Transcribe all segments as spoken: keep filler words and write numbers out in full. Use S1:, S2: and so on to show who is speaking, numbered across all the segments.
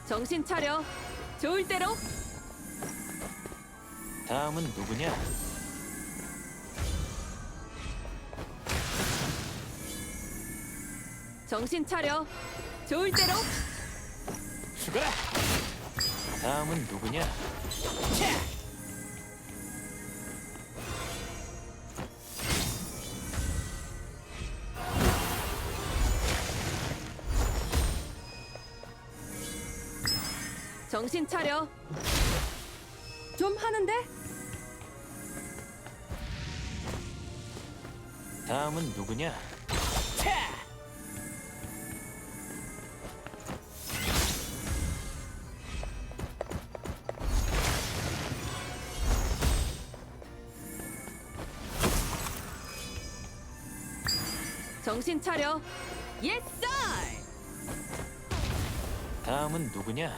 S1: 정신 차려. 좋을 대로.
S2: 다음은 누구냐?
S1: 정신 차려. 좋을 대로.
S2: 죽어라! 다음은 누구냐? 차!
S1: 정신 차려. 좀 하는데?
S2: 다음은 누구냐? 차!
S1: 정신 차려. 예스!
S2: 다음은 누구냐?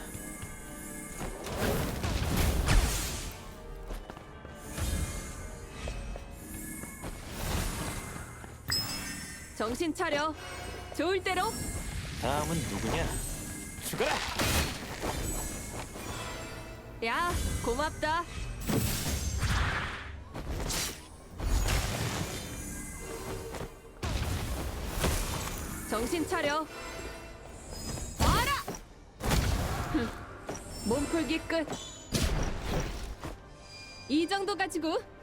S1: 정신 차려. 좋을 대로.
S2: 다음은 누구냐? 죽어라!
S1: 야, 고맙다. 정신 차려. 와라! 흠, 몸풀기 끝. 이 정도 가지고